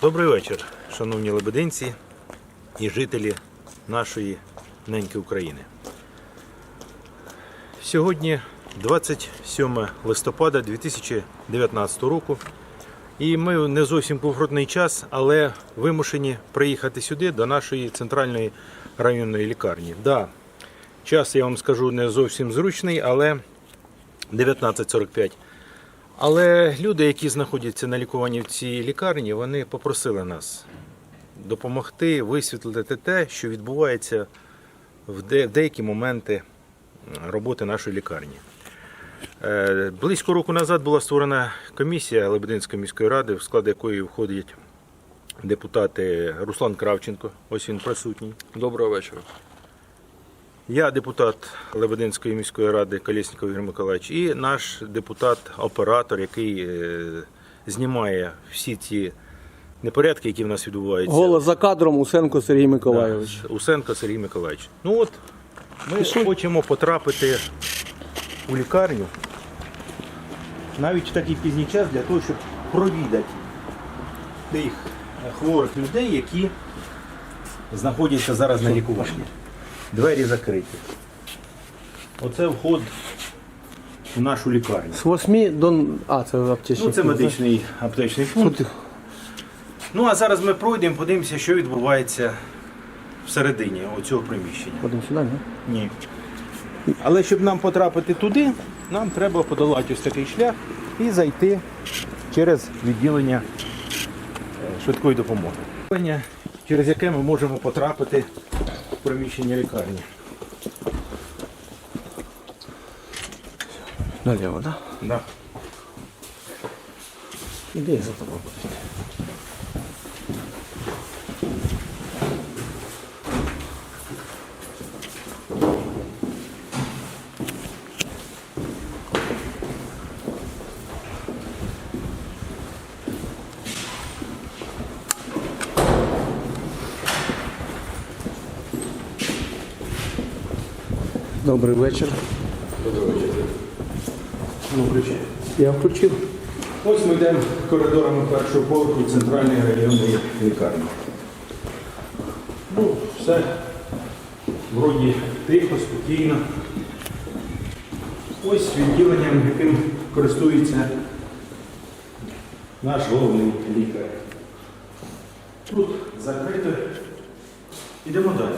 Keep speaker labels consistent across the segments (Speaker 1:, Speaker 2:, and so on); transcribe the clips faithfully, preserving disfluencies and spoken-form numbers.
Speaker 1: Добрий вечір, шановні лебединці і жителі нашої неньки України. Сьогодні двадцять сьоме листопада дві тисячі дев'ятнадцятого року. І ми не зовсім комфортний час, але вимушені приїхати сюди, до нашої центральної районної лікарні. Да, час, я вам скажу, не зовсім зручний, але дев'ятнадцять сорок п'ять. Але люди, які знаходяться на лікуванні в цій лікарні, вони попросили нас допомогти висвітлити те, що відбувається в деякі моменти роботи нашої лікарні. Близько року назад була створена комісія Лебединської міської ради, в склад якої входять депутати Руслан Кравченко, ось він присутній.
Speaker 2: Доброго вечора.
Speaker 1: Я депутат Лебединської міської ради Колєсніков Ігор Миколаївич і наш депутат-оператор, який знімає всі ці непорядки, які в нас відбуваються.
Speaker 3: Голос за кадром Усенко Сергій Миколайович.
Speaker 1: Да, Усенко Сергій Миколаївич. Ну от, ми Пішли. хочемо потрапити у лікарню, навіть в такий пізній час, для того, щоб провідати тих хворих людей, які знаходяться зараз на лікуванні. Двері закриті. Оце вход в нашу лікарню.
Speaker 3: З восьми до... А, це аптечний.
Speaker 1: Ну, це медичний аптечний пункт. Ну, а зараз ми пройдемо, подивимося, що відбувається всередині оцього приміщення.
Speaker 3: Ходимо сюди, не?
Speaker 1: Ні. Але щоб нам потрапити туди, нам треба подолати ось такий шлях і зайти через відділення швидкої допомоги. Відділення, через яке ми можемо потрапити в приміщення лікарні.
Speaker 3: Наліво, так?
Speaker 1: Да? Да.
Speaker 3: Іди за тобою. Добрий вечір.
Speaker 1: Добрий вечір. Ну, включай.
Speaker 3: Я включив.
Speaker 1: Ось ми йдемо коридорами першого поверху центральної районної лікарні. Ну, все вроді тихо, спокійно. Ось відділенням, яким користується наш головний лікар. Тут закрито. Йдемо далі.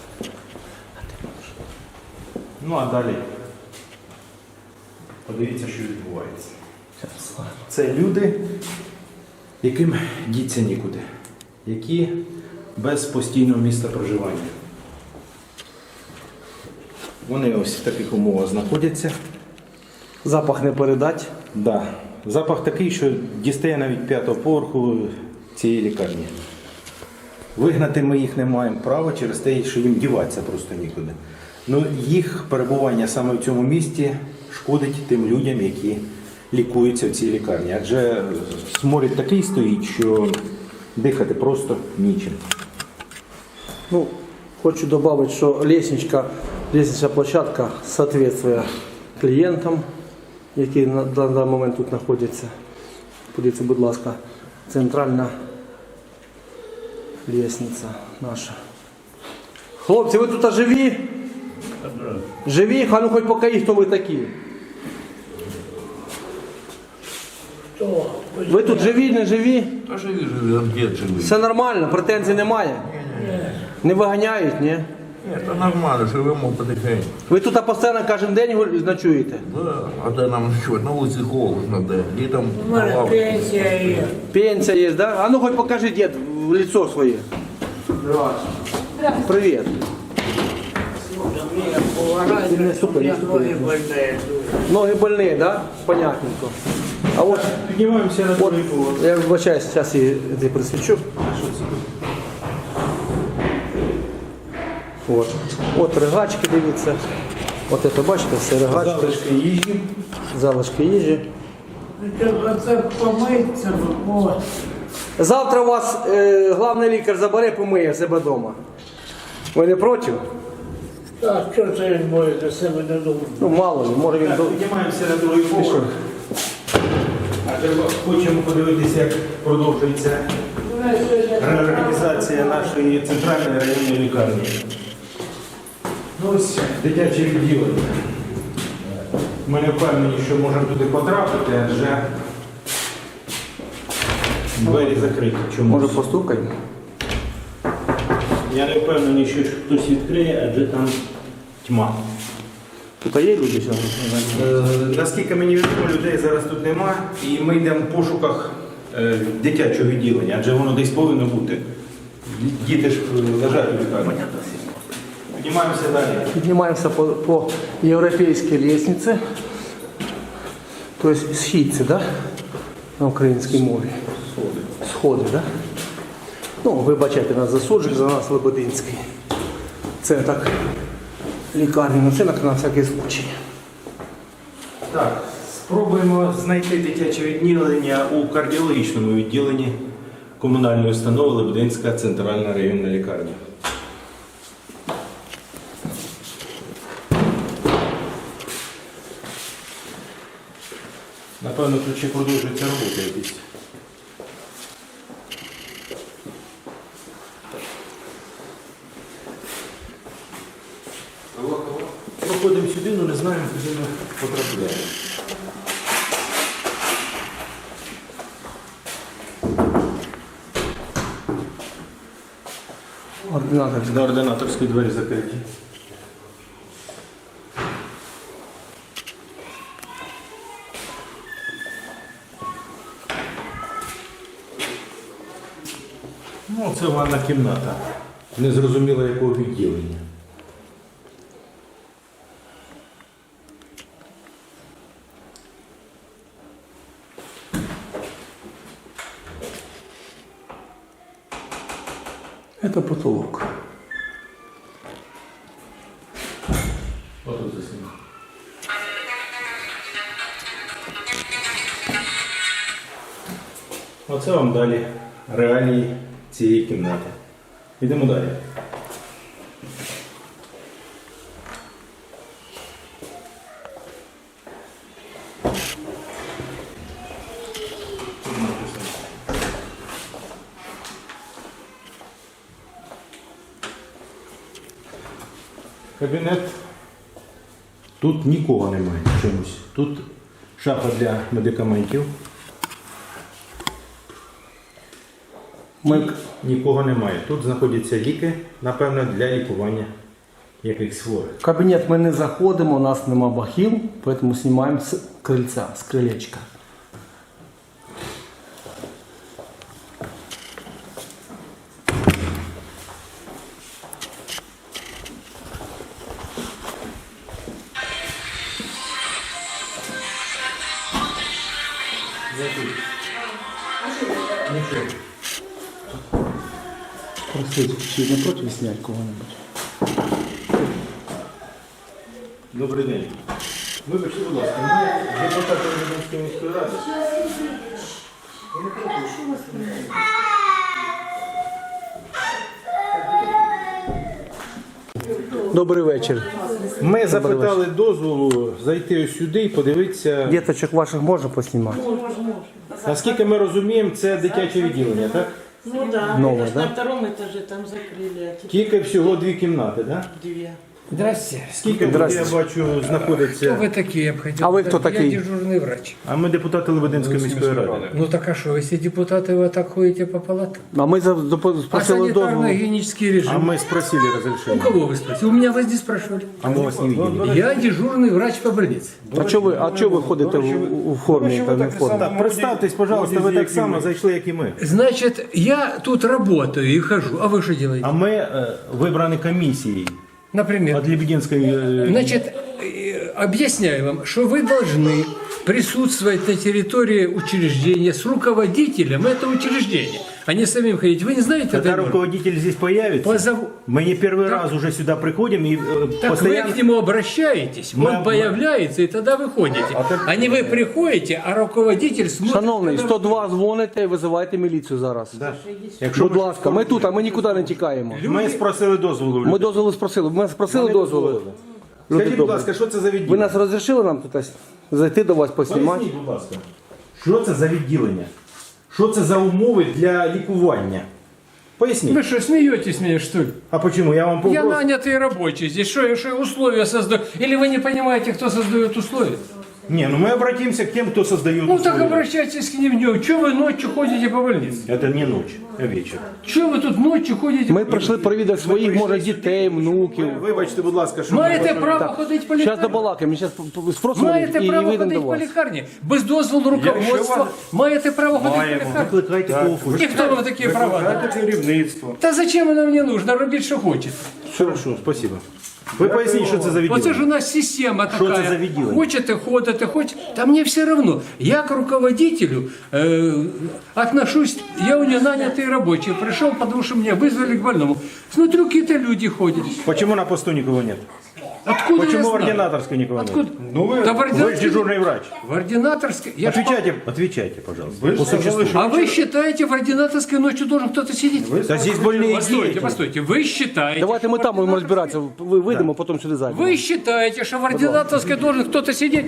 Speaker 1: Ну а далі подивіться, що відбувається. Це люди, яким діться нікуди, які без постійного місця проживання. Вони ось в таких умовах знаходяться.
Speaker 3: Запах не передать.
Speaker 1: Да. Запах такий, що дістає навіть п'ятого поверху цієї лікарні. Вигнати ми їх не маємо права через те, що їм діватися просто нікуди. Ну, їх перебування саме в цьому місці шкодить тим людям, які лікуються в цій лікарні. Адже сморід такий стоїть, що дихати просто нічим.
Speaker 3: Ну, хочу добавить, що лестничка, лестнична площадка соответствує клієнтам, які на даний момент тут знаходяться. Подивіться, будь ласка, центральна лестниця наша. Хлопці, ви тут живі? Живі? А ну хоч покажіть, хто ви такі.
Speaker 4: Хто?
Speaker 3: Ви тут живі, не живі?
Speaker 2: А живі, живі, а дід живий.
Speaker 3: Все нормально, претензій немає?
Speaker 4: Ні.
Speaker 3: Не виганяють, ні?
Speaker 2: Ні, то нормально, живемо потихеньку.
Speaker 3: Ви тут постійно кожен день гуль- ночуєте?
Speaker 2: Да, а де нам що, на вулиці холодно, де, літом
Speaker 4: У мене
Speaker 2: лавка.
Speaker 4: пенсія є.
Speaker 3: Пенсія є, да? А ну хоч покажи, дід, в лицо своє. Привіт.
Speaker 4: Мені поважайте,
Speaker 3: Не супер,
Speaker 4: я
Speaker 3: не супер.
Speaker 4: ноги больні.
Speaker 3: Ноги больні, да? Понятненько. А от,
Speaker 1: Піднімаємося на
Speaker 3: от
Speaker 1: другий поверх.
Speaker 3: я вибачаюсь, зараз я це присвічу. От. От ригачки, дивіться. От це, бачите, все ригачки.
Speaker 1: Залишки їжі.
Speaker 3: Залишки їжі.
Speaker 4: Це помиться, о.
Speaker 3: Завтра вас е, главний лікар забере, помиє в себе вдома. Ви не проти?
Speaker 4: Так, що це він може для себе не думати?
Speaker 3: Ну, мало ли, може він...
Speaker 1: Так,
Speaker 3: до-
Speaker 1: піднімаємося на другий поверх. Адже хочемо подивитися, як продовжується реорганізація нашої центральної районної лікарні. Ну, ось дитяче відділення. Ми не впевнені, що можемо туди потрапити, адже двері закриті. Чомусь.
Speaker 3: Може постукаємо?
Speaker 1: Я не впевнений, що хтось відкриє, адже там тьма.
Speaker 3: Тут є люди сьогодні?
Speaker 1: Е, Наскільки мені відомо, людей зараз тут нема, і ми йдемо в пошуках е, дитячого відділення, адже воно десь повинно бути. Діти ж е, лежать у лікарні. Піднімаємося далі.
Speaker 3: Поднимаемся по, по европейской лестнице. То есть східці, да? На українській мові. Сходи. Сходи, да? Ну, вибачайте нас за суджик, за нас Лебединський. Це так лікарні, ну це на, на всякий случай.
Speaker 1: Так, спробуємо знайти дитяче відділення у кардіологічному відділенні комунальної установи Лебединська центральна районна лікарня. Напевно, тут ще продовжується робота якісь. Проходимо сюди, але не знаємо, куди ми потрапляємо.
Speaker 3: Ординатор.
Speaker 1: На ординаторській двері закриті. Ну, це ванна кімната. Незрозуміло якого відділення.
Speaker 3: Это потолок.
Speaker 1: Отут заснімо. Оце вам далі реалії цієї кімнати. Йдемо далі. Тут написано. Кабінет. Тут нікого немає чомусь. Тут шафа для медикаментів.
Speaker 3: Ми...
Speaker 1: Нікого немає. Тут знаходяться ліки, напевно, для лікування якихось хворих.
Speaker 3: В кабінет ми не заходимо, у нас нема бахіл, поэтому знімаємо з крильця, з крилечка.
Speaker 1: Нічого.
Speaker 3: Просить, чи не проти зняти кого-небудь?
Speaker 1: Добрий день. Вибачте, будь ласка, ми депутати Лебединської міської ради.
Speaker 3: Добрий вечір.
Speaker 1: Ми запитали дозволу зайти ось сюди і подивитися.
Speaker 3: Діточок ваших можна поснімати?
Speaker 1: Наскільки ми розуміємо, це дитяче відділення, так?
Speaker 5: Ну да,
Speaker 3: Новое,
Speaker 5: это ж
Speaker 3: да?
Speaker 5: на втором этаже там закрыли, а теперь
Speaker 1: Тільки всього дві кімнати, так?
Speaker 5: две.
Speaker 6: Здрасте.
Speaker 1: Скільки тут, я бачу,
Speaker 6: Кто
Speaker 1: знаходиться.
Speaker 6: вы такие, я бы хотел
Speaker 3: А вы
Speaker 6: знать.
Speaker 3: кто такие?
Speaker 6: Я дежурный врач.
Speaker 1: А ми депутати Лебединської міської ради.
Speaker 6: Ну так а что, если депутаты вы так ходите по палатам?
Speaker 3: А ми за- допо-
Speaker 6: А
Speaker 3: спросили дозволу.
Speaker 6: санитарно-гигиенический режим?
Speaker 1: А ми спросили
Speaker 6: У
Speaker 1: розрішення.
Speaker 6: кого вы спросили? У меня возле спрашивали.
Speaker 1: А ми вас не бачили.
Speaker 6: Я дежурный врач по больнице.
Speaker 3: А чого ви, а чого ви ходите в, у формі та не в формі?
Speaker 1: Так, представтесь, пожалуйста, ви так само зайшли, як і ми.
Speaker 6: Значит, я тут работаю и хожу. А вы что делаете?
Speaker 1: А ми е, вибрані комісією
Speaker 6: Например?
Speaker 1: від Лебединської. е,
Speaker 6: Значит, э, объясняю вам, что вы должны присутствовать на территории учреждения с руководителем этого учреждения, а не самим ходить. Вы не знаете
Speaker 1: Когда
Speaker 6: этой нормы?
Speaker 1: руководитель здесь появится,
Speaker 6: Позову-
Speaker 1: мы не первый раз уже сюда приходим и э,
Speaker 6: Так
Speaker 1: постоянно...
Speaker 6: вы к нему обращаетесь,
Speaker 1: Мы-
Speaker 6: он
Speaker 1: мы-
Speaker 6: появляется, и тогда вы ходите. А не вы приходите, а руководитель смотрит.
Speaker 3: Шановний,
Speaker 6: когда-
Speaker 3: сто два дзвоните і визивайте міліцію зараз.
Speaker 1: Якщо
Speaker 3: Будь ласка, ми тут, а ми нікуди не тікаємо.
Speaker 1: ми спросили дозволу. в
Speaker 3: Ми
Speaker 1: людей.
Speaker 3: дозволу спросили, ми спросили
Speaker 1: Вони
Speaker 3: дозволу.
Speaker 1: дозволили.
Speaker 3: Люди
Speaker 1: Скажіть, будь
Speaker 3: добрі.
Speaker 1: ласка, що це за
Speaker 3: Ви
Speaker 1: відділення?
Speaker 3: нас розрішили нам тут ось зайти до вас поснімати?
Speaker 1: Поясніть, будь ласка. Що це за відділення? Що це за умови для лікування? Поясніть.
Speaker 6: Вы что, смеетесь меня, что ли?
Speaker 1: А почему? Я вам
Speaker 6: Я
Speaker 1: попрошу.
Speaker 6: нанятый рабочий. Здесь что, я что, условия создаю? Или вы не понимаете, кто создает условия?
Speaker 1: Не, ну мы обратимся к тем, кто создает
Speaker 6: Ну так
Speaker 1: условия.
Speaker 6: обращайтесь к ним днем. Чего вы ночью ходите по больнице?
Speaker 1: Это не ночь, а вечер.
Speaker 6: Чего вы тут ночью ходите?
Speaker 3: Ми прийшли провідати своїх, може, дітей, внуків.
Speaker 1: Вибачте, будь ласка, що...
Speaker 6: Маєте право ходити по
Speaker 3: Зараз
Speaker 6: лікарні?
Speaker 3: добалакаємо, зараз спросимо
Speaker 6: Маєте
Speaker 3: і
Speaker 6: право
Speaker 3: вийдемо
Speaker 6: ходити
Speaker 3: до
Speaker 6: по
Speaker 3: вас.
Speaker 6: лікарні? Без дозволу руководства. Маєте право ходити по лікарні?
Speaker 1: Викликайте кого
Speaker 6: І хто вам такі права дав?
Speaker 1: керівництво.
Speaker 6: Та зачем воно мені нужно? Робіть, що хочете.
Speaker 1: Хорошо, спасибо. Ви поясніть, що це за відділення.
Speaker 6: Оце ж у нас система
Speaker 1: Що
Speaker 6: така.
Speaker 1: це за відділення?
Speaker 6: Хочете ходите, хочете. Та мені все равно. Я к руководителю э, отношусь, я у него нанятый рабочий. Пришел, потому что меня вызвали к больному. Смотрю, какие-то люди ходят.
Speaker 1: Почему на посту никого нет?
Speaker 6: Откуда я
Speaker 1: Почему в
Speaker 6: знаю?
Speaker 1: ординаторской никого
Speaker 6: Откуда?
Speaker 1: нет? Ну вы,
Speaker 6: Да в
Speaker 1: вы же
Speaker 6: ординаторской-
Speaker 1: дежурный врач.
Speaker 6: В ординаторской... Я ж-
Speaker 1: Отвечайте, отвечайте, пожалуйста. По существу.
Speaker 6: А вы считаете, в ординаторской ночью должен кто-то сидеть?
Speaker 1: Да здесь больные
Speaker 6: Постойте,
Speaker 1: дети.
Speaker 6: постойте. Вы считаете...
Speaker 3: Давайте ми там будемо розбиратися, ви вийдемо, потім сюди зайдемо.
Speaker 6: Вы считаете, что в ординаторской должен кто-то сидеть?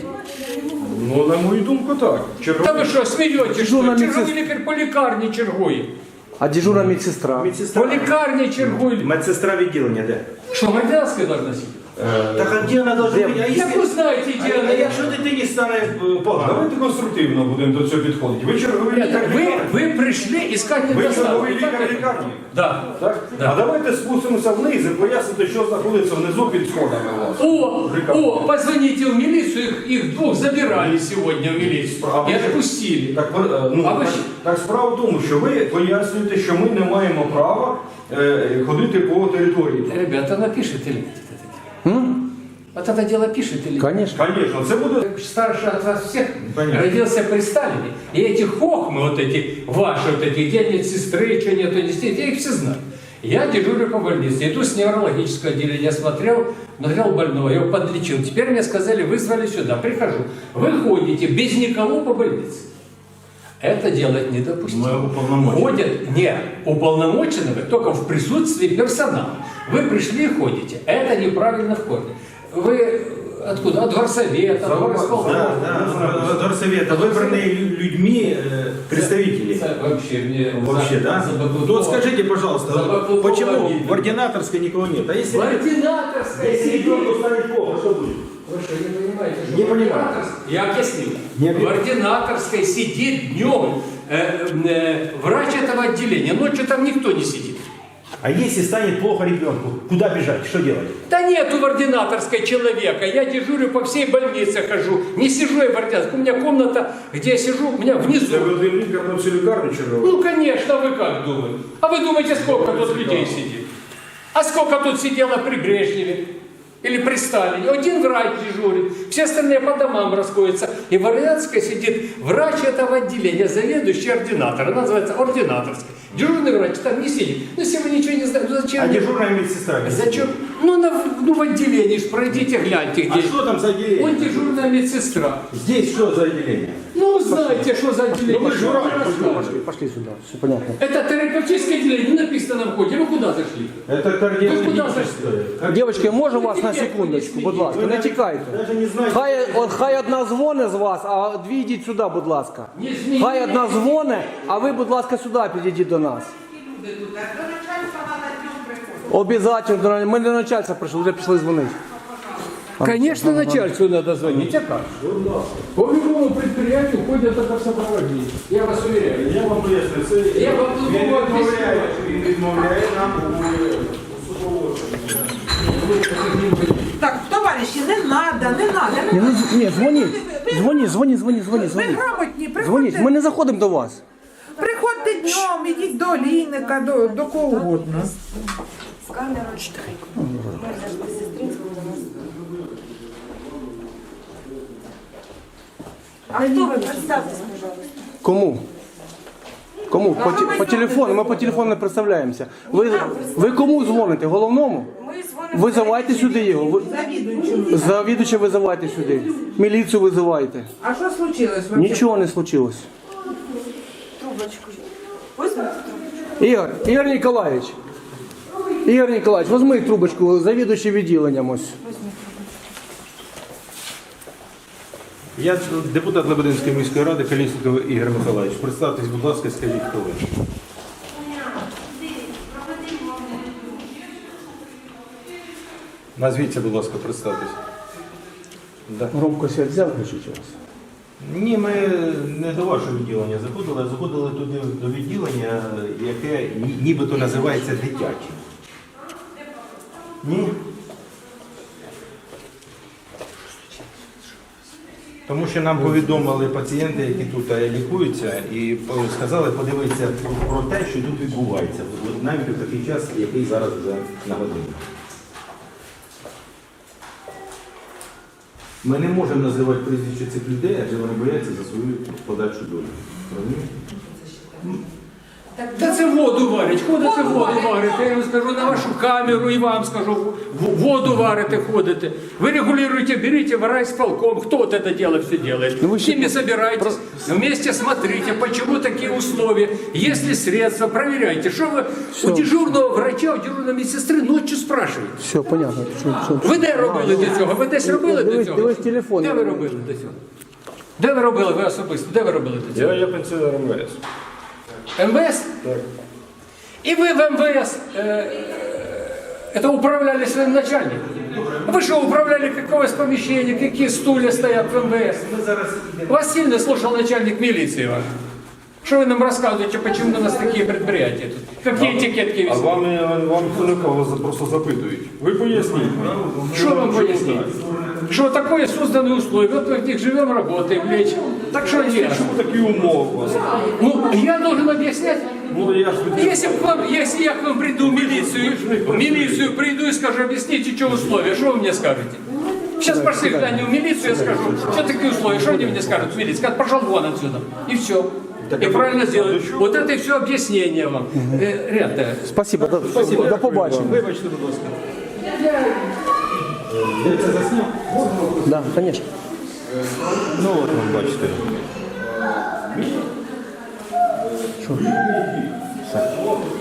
Speaker 7: Ну, на мою думку, так.
Speaker 6: Да вы что, смеетесь, что?
Speaker 3: Дежурная
Speaker 6: Черговий
Speaker 3: медсестра.
Speaker 6: лікар по лікарні чергує.
Speaker 3: А дежурна медсестра?
Speaker 6: По
Speaker 1: Медсестра,
Speaker 6: лікарні чергує.
Speaker 1: медсестра відділення, де?
Speaker 6: Что, в ординаторской должна сидеть?
Speaker 1: Так а где она должна быть? А
Speaker 6: Як ви знаєте, де вона?
Speaker 1: якщо дитині стане е, погано?
Speaker 7: Давайте конструктивно будемо до цього підходити. Ви черговий лікар
Speaker 6: Ви,
Speaker 7: лікарні.
Speaker 6: ви прийшли искать
Speaker 7: Ви
Speaker 6: недостатки.
Speaker 7: черговий
Speaker 6: так
Speaker 7: лікар
Speaker 6: это?
Speaker 7: лікарні.
Speaker 6: Да.
Speaker 7: Так?
Speaker 6: Да.
Speaker 7: А давайте спустимося вниз і поясните, що знаходиться внизу під сходами у вас.
Speaker 6: О, о, позвоните в милицию, их, их двух забирали сегодня в милицию
Speaker 7: А
Speaker 6: и
Speaker 7: ви-
Speaker 6: отпустили.
Speaker 7: Так, е, ну,
Speaker 6: А ви
Speaker 7: так,
Speaker 6: ж-
Speaker 7: так справа в тому, що ви пояснюєте, що ми не маємо права е, ходити по території.
Speaker 6: Ребята, напишите или нет это дело? Вот это дело пишет или нет?
Speaker 3: Конечно.
Speaker 7: Звісно, це буде.
Speaker 6: Старший от вас всех
Speaker 1: Понятно.
Speaker 6: родился при Сталине. И эти хохмы, вот эти ваши, вот эти, где нет сестры, что нету детей, я их все знаю. Я дежурю по больнице, иду с неврологического отделения, смотрел, смотрел больного, я его подлечил. Теперь мне сказали, вызвали сюда, прихожу. Вы ходите без никого по больнице. Это делать недопустимо.
Speaker 7: Мы уполномочены.
Speaker 6: Ходят, не, уполномоченного только в присутствии персонала. Вы пришли и ходите. Это неправильно в корне. Вы откуда? От горсовета, от горосполкома.
Speaker 1: Да, да, горсовета, выбранные лю- людьми э, представители.
Speaker 6: Это вообще мне
Speaker 1: Вообще,
Speaker 6: за-
Speaker 1: да?
Speaker 6: забаклукова-
Speaker 1: То скажите, пожалуйста,
Speaker 6: забаклукова
Speaker 1: почему
Speaker 6: обидно.
Speaker 1: в ординаторской никого нет? А если...
Speaker 6: В ординаторской
Speaker 1: Если
Speaker 6: сидит.
Speaker 1: ребенку станет плохо, что будет?
Speaker 6: Вы что, не понимаете, что
Speaker 1: Не
Speaker 6: в
Speaker 1: понимаю.
Speaker 6: ординаторской- Я объяснил.
Speaker 1: Не
Speaker 6: В
Speaker 1: объяснил.
Speaker 6: ординаторской сидит днем э, э, врач этого отделения. Ночью там никто не сидит.
Speaker 1: А если станет плохо ребенку, куда бежать, что делать?
Speaker 6: Да нету в ординаторской человека. Я дежурю по всей больнице хожу. Не сижу я в ординаторской. У меня комната, где я сижу, у меня
Speaker 7: Це
Speaker 6: внизу.
Speaker 7: ви один лікар на всю лікарню черговий.
Speaker 6: Ну, конечно, вы как думаете? А вы думаете, сколько тут людей сидит? А сколько тут сидело при Брежневе? Или при Сталине? Один врач дежурит, все остальные по домам расходятся. И в ординаторской сидит врач этого отделения, заведующий ординатор. Она называется ординаторской. Дежурный врач там не сидит. Ну, если вы ничего не знаете, ну зачем?
Speaker 1: А
Speaker 6: мне-
Speaker 1: дежурная медсестра?
Speaker 6: Зачем? Ну, на, ну, в отделении ж пройдите, гляньте, где.
Speaker 1: А что там за отделение?
Speaker 6: Он дежурная медсестра.
Speaker 1: Здесь что за отделение?
Speaker 6: Ну, знаете, что за отделение.
Speaker 1: Ну, вы же
Speaker 6: Что
Speaker 1: врач,
Speaker 6: вы рассказываете?
Speaker 3: Пошли, пошли сюди, все понятно.
Speaker 6: Это терапевтическое отделение, не написано на входе. Вы куда зашли?
Speaker 1: Это
Speaker 6: Вы куда
Speaker 1: кардиологическое.
Speaker 3: Дівчатки, можу вас на секундочку, будь ласка, не тікайте.
Speaker 1: Даже не знаете.
Speaker 3: Хай, от, хай одна дзвоне з вас, а дві йдіть сюди, будь ласка.
Speaker 6: Не змінюйте.
Speaker 3: Хай одна дзвоне, а ви, будь ласка, сюди підійдіть до нас. Обязательно, до нас- ми до начальства прийшли, вже пішли дзвонити.
Speaker 6: Конечно, начальству надо звонить. А как? По любому предприятию ходят только в сопровождении. Я вас уверяю.
Speaker 1: Я вам поясню, це
Speaker 6: Я вам
Speaker 1: він
Speaker 6: думаю,
Speaker 1: відмовляє, він відмовляє нам у супроводженні.
Speaker 8: Так, товариші, не треба, не треба.
Speaker 3: Ні, ну, з- ні, дзвоніть, дзвоніть, дзвоніть, дзвоніть, дзвоніть,
Speaker 8: Ви
Speaker 3: дзвоніть.
Speaker 8: грамотні,
Speaker 3: Дзвоніть,
Speaker 8: приходьте,
Speaker 3: ми не заходимо до вас.
Speaker 8: приходьте днем, ідіть до Лійника, до, до кого угодно.
Speaker 9: А кто вы? Представьтесь, пожалуйста.
Speaker 3: Кому? Кому? По, те- по телефону, ми по телефону не представляємося. Ви, ви кому дзвоните? Головному?
Speaker 9: Мы звоним.
Speaker 3: Визивайте сюди його. Ви- Завідувача визивайте сюди. Міліцію визивайте.
Speaker 8: А що случилось? вообще?
Speaker 3: Нічого не случилось.
Speaker 9: Трубочку. Возьмите трубочку.
Speaker 3: Ігор, Ігор Ніколаєвич. Ігор Ніколаєвич, візьми трубочку, завідуючий відділенням ось.
Speaker 1: Я депутат Лебединської міської ради Колєсніков Ігор Миколаївич. Представтесь, будь ласка, скажіть, хто ви. Назвіться, будь ласка, представтесь. Да.
Speaker 3: Громкость я взяв, включіть у вас.
Speaker 1: Ні, ми не до вашого відділення заходили, а заходили туди до відділення, яке ні- нібито називається дитяче. Ні? Тому що нам повідомили пацієнти, які тут е, лікуються, і по- сказали подивитися про те, що тут відбувається, от навіть у такий час, який зараз вже на годині. Ми не можемо називати прізвище цих людей, адже вони бояться за свою подальшу долю. Розумієте?
Speaker 6: Та це воду варять, ходите воду варите, я вам скажу на вашу камеру і вам скажу, в- воду варите, ходите. Вы регулируете, берите в райисполком, кто вот это дело все делает.
Speaker 3: Ну, вы
Speaker 6: С ними собирайтесь, вместе смотрите, почему такие условия, есть ли средства, проверяйте. Что вы у дежурного врача, у дежурной медсестры ночью спрашиваете?
Speaker 3: Все, понятно. Що, що,
Speaker 6: Ви де робили до цього? Ви десь робили до
Speaker 3: Дивись-
Speaker 6: цього?
Speaker 3: дивись телефон.
Speaker 6: Де ви робили до цього? Де ви робили, ви особисто? Де ви робили до цього?
Speaker 7: Я, я пенсіонер М В С.
Speaker 6: МВС? Так. И вы в МВС э, это управляли своим начальником? Вы что, управляли какое помещение, какие стулья стоят в МВС? Вас сильно слушал начальник милиции ваш. Что вы нам рассказываете, почему у нас такие предприятия тут? Какие этикетки
Speaker 7: А
Speaker 6: висят?
Speaker 7: вам, вам хто вас просто запитують. Ви поясніть.
Speaker 6: Что вам пояснить? Что такое созданы условия, вот мы в них живем, работаем, лечим. Так что нет?
Speaker 7: Чому такі умови у вас?
Speaker 6: Ну, я должен объяснять?
Speaker 7: Ну, я ж
Speaker 6: Если, к вам, если я к вам приду в милицию, в милицию приду и скажу, объясните, что условия, что вы мне скажете? Сейчас пошли глянем в милицию, я скажу, что такие условия, что они мне скажут в милиции? Скажут, пошел вон отсюда. И все. И правильно сделают. Вот это и все объяснение вам. Э, Ребята,
Speaker 3: Спасибо, до, Спасибо. До побачення.
Speaker 6: вибачте, будь ласка.
Speaker 1: Де це засняв?
Speaker 3: Да, конечно.
Speaker 1: Ну от ви бачите.
Speaker 3: Що?